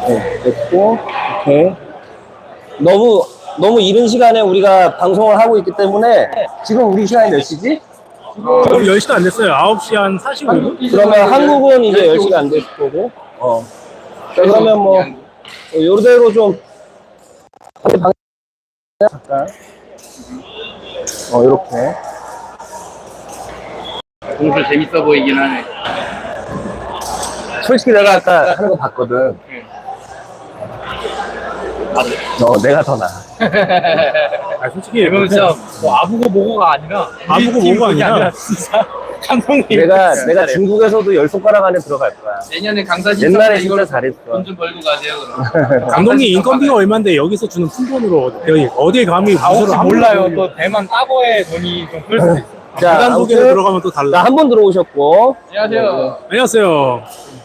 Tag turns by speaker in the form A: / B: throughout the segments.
A: 네, 됐고, 오케이. 너무 이른 시간에 우리가 방송을 하고 있기 때문에 지금 우리 시간이 몇 시지?
B: 지금 10시도 안 됐어요. 9시 한 45분?
A: 그러면 한국은 이제 10시가 안 됐을 거고. 자, 그러면 뭐, 요대로 좀, 잠깐. 요렇게.
C: 공수 재밌어 보이긴 하네.
A: 솔직히 내가 아까 하는 거 봤거든. 내가 더 나아.
B: 아, 솔직히.
C: 그러면 진짜 뭐 아부고 뭐고가 아니라.
B: 아부고 뭐고가 아니라.
C: 진짜. 감독님.
A: 내가 중국에서도 10손가락 안에 들어갈 거야.
C: 내년에 강사진
A: 옛날에 진짜 잘했어.
C: 돈 좀 벌고 가세요, 그럼.
B: 감독님 인건비가 얼만데 여기서 주는 푼돈으로 어딜 감히
C: 혹시 몰라요. 또 대만 따보의 돈이 좀 클 수도 있어.
A: 자,
B: 부단 소개로
A: 아무튼
B: 들어가면 또 달라.
A: 한 번 들어오셨고.
C: 안녕하세요.
B: 안녕하세요.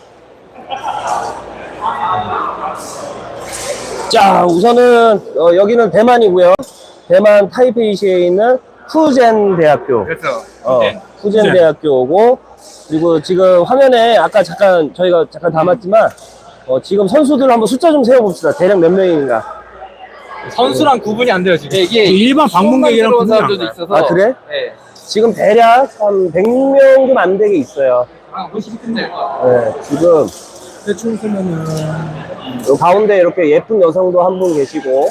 A: 자, 우선은 여기는 대만이고요. 대만 타이페이시에 있는 푸젠 대학교.
C: 그렇죠.
A: 푸젠 대학교고, 그리고 지금 화면에 아까 저희가 잠깐 담았지만 지금 선수들 한번 숫자 좀 세워봅시다. 대략 몇 명인가?
C: 선수랑 구분이 안 돼요, 지금. 이게
B: 일반 방문객이랑
C: 들어온
B: 구분이 안
C: 사람들도
B: 가요.
C: 있어서.
A: 아, 그래?
C: 네.
A: 지금 대략 한 100명 좀 안 되게 있어요.
C: 아, 50분 될 것 같아요.
A: 네, 지금
B: 대충 쓰면은.
A: 요 가운데 이렇게 예쁜 여성도 한 분 계시고,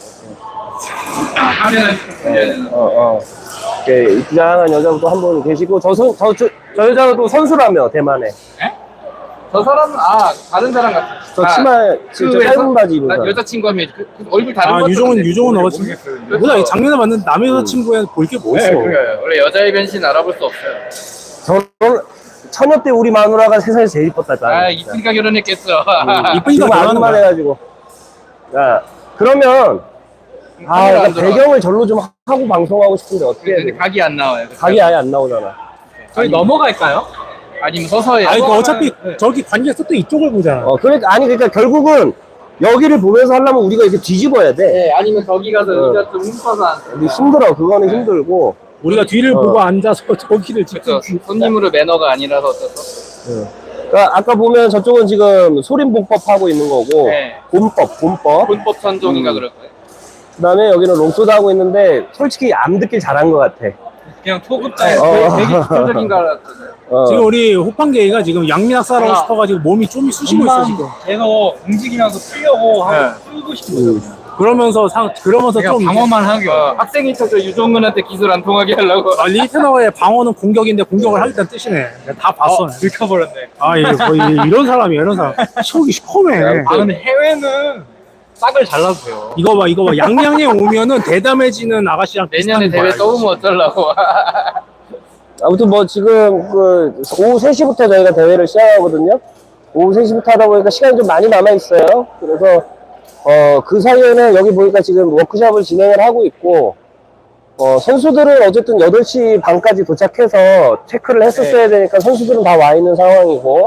A: 이렇게 이쁘장한 여자도 한 분 계시고, 저 여자도 선수라며, 대만에.
C: 저 사람은, 다른 사람 같아.
A: 저 치마, 진짜 짧은 바지 입은 사람.
C: 여자친구하면 그 얼굴 다른 것
B: 유종은 어친구. 몰라, 작년에 만난 남의 여자친구에 볼 게 뭐 있어.
C: 네, 원래 여자의 변신 알아볼 수 없어요.
A: 저는 처녀 때 우리 마누라가 세상에서 제일 이뻤다.
C: 이쁘니까 결혼했겠어.
B: 이쁘니까
A: 지금
B: 결혼하는
A: 아줌만
B: 거야.
A: 해가지고. 야, 그러면, 그러니까 배경을 절로 좀 하고 방송하고 싶은데 어떻게 해야
C: 근데
A: 돼?
C: 각이 안 나와요.
A: 각이 아예 안 나오잖아.
C: 저희 넘어갈까요? 아니면 서서 해요?
B: 아니, 어차피 저기 관객석 또 이쪽을 보잖아.
A: 그러니까 결국은 여기를 보면서 하려면 우리가 이렇게 뒤집어야 돼.
C: 네, 아니면 저기 가서 의자 좀 훔쳐서 앉아.
A: 근데 힘들어. 그거는 힘들고.
B: 우리가 뒤를 보고 앉아서 저기를
C: 그렇죠.
B: 직접.
C: 손님으로 매너가 아니라서 어쩌서.
A: 그러니까 아까 보면 저쪽은 지금 소림봉법 하고 있는 거고,
C: 네.
A: 본법.
C: 본법 선종인가 그럴 거예요.
A: 그 다음에 여기는 롱소드 하고 있는데, 솔직히 안 듣길 잘한 것 같아.
C: 그냥 초급자의 되게 기본적인가 알았어요.
B: 지금 우리 호판계가 지금 양민학사라고 싶어가지고 몸이 좀 쑤시고 있어, 지금.
C: 계속 움직이면서 풀려고 하고 풀고 싶은 거죠.
B: 그러면서 좀.
C: 방어만 하기 학생이 쳐서 유종근한테 기술 안 통하게 하려고.
B: 리테너의 방어는 공격인데 공격을 하겠다는 뜻이네. 내가 다 봤어.
C: 들켜버렸네.
B: 이런 사람이야, 이런 사람. 속이 시커매.
C: 근데 해외는 싹을 잘라주세요.
B: 이거 봐. 양양에 오면은 대담해지는 아가씨랑
C: 내년에
B: 비슷한
C: 대회
B: 거야.
C: 또 오면 어쩌려고.
A: 아무튼 뭐 지금 오후 3시부터 저희가 대회를 시작하거든요. 오후 3시부터 하다 보니까 시간이 좀 많이 남아있어요. 그래서 그 사이에는 여기 보니까 지금 워크숍을 진행을 하고 있고, 선수들은 어쨌든 8시 반까지 도착해서 체크를 했었어야 되니까 선수들은 다 와 있는 상황이고,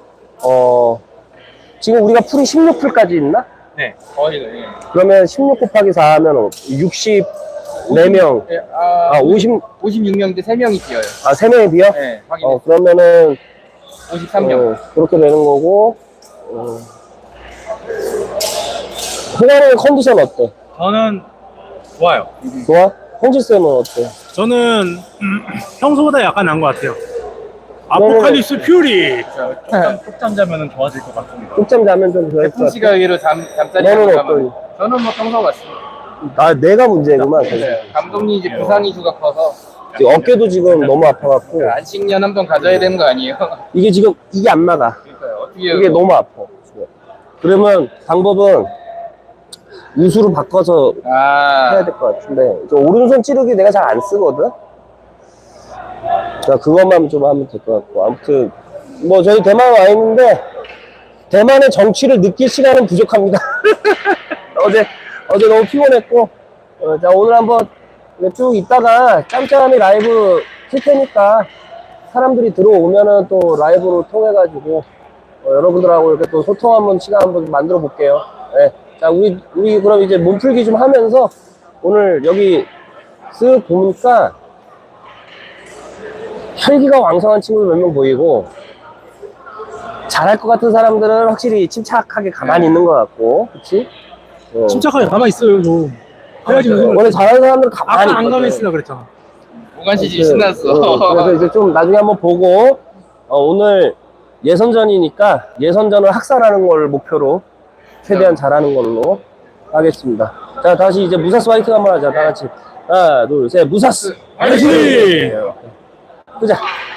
A: 지금 우리가 풀이 16풀까지 있나?
C: 네, 거의. 네.
A: 그러면 16 곱하기 4 하면 64명,
C: 56명 대 3명이 뛰어요.
A: 3명이 비어?
C: 네, 확인해.
A: 그러면은
C: 53명.
A: 그렇게 되는 거고. 호감의 컨디션 어때?
C: 저는 좋아요.
A: 좋아? 홍지쌤은 어때?
B: 저는 평소보다 약간 나은 것 같아요. 아포칼립스 퓨리.
C: 쪽잠 자면은 좋아질 것 같습니다.
A: 쪽잠 자면 좀 그럴 것
C: 태풍 씨가
A: 같아.
C: 의외로 잠자리
A: 너는
C: 안
A: 어떠니?
C: 가면 저는 뭐 평소 같습니다.
A: 내가 문제구만.
C: 감독님 이제 부상 이슈가 커서
A: 지금 어깨도 지금 너무 아파갖고.
C: 안식년 한번 가져야 되는 거 아니에요?
A: 이게 지금, 이게 안 나가.
C: 그러니까요. 어떻게
A: 이게 너무 아파. 지금. 그러면 방법은 우수로 바꿔서 해야 될 것 같은데, 저 오른손 찌르기 내가 잘 안 쓰거든? 자, 그것만 좀 하면 될 것 같고. 아무튼, 뭐, 저희 대만 와 있는데, 대만의 정치를 느낄 시간은 부족합니다. 어제 너무 피곤했고, 자, 오늘 한번 쭉 있다가 짬짬이 라이브 킬 테니까, 사람들이 들어오면은 또 라이브로 통해가지고, 여러분들하고 이렇게 또 소통 한번 시간 한번 만들어 볼게요. 네. 자, 우리 그럼 이제 몸풀기 좀 하면서 오늘 여기 쓱 보니까 혈기가 왕성한 친구들 몇 명 보이고, 잘할 것 같은 사람들은 확실히 침착하게 가만히 있는 것 같고, 그치?
B: 침착하게 가만히 있어요, 좀. 해야지.
A: 원래 잘하는 사람들은 가만히
B: 아까 안
A: 있거든.
B: 가만히 있으라 그랬잖아.
D: 무관시집 신났어.
A: 그래서 이제 좀 나중에 한번 보고, 오늘 예선전이니까 예선전을 학살하는 걸 목표로 최대한 잘하는 걸로 하겠습니다. 자, 다시 이제 무사스 화이팅 한번 하자. 다 같이. 하나, 둘, 셋, 무사스!
B: 화이팅!
A: 그자.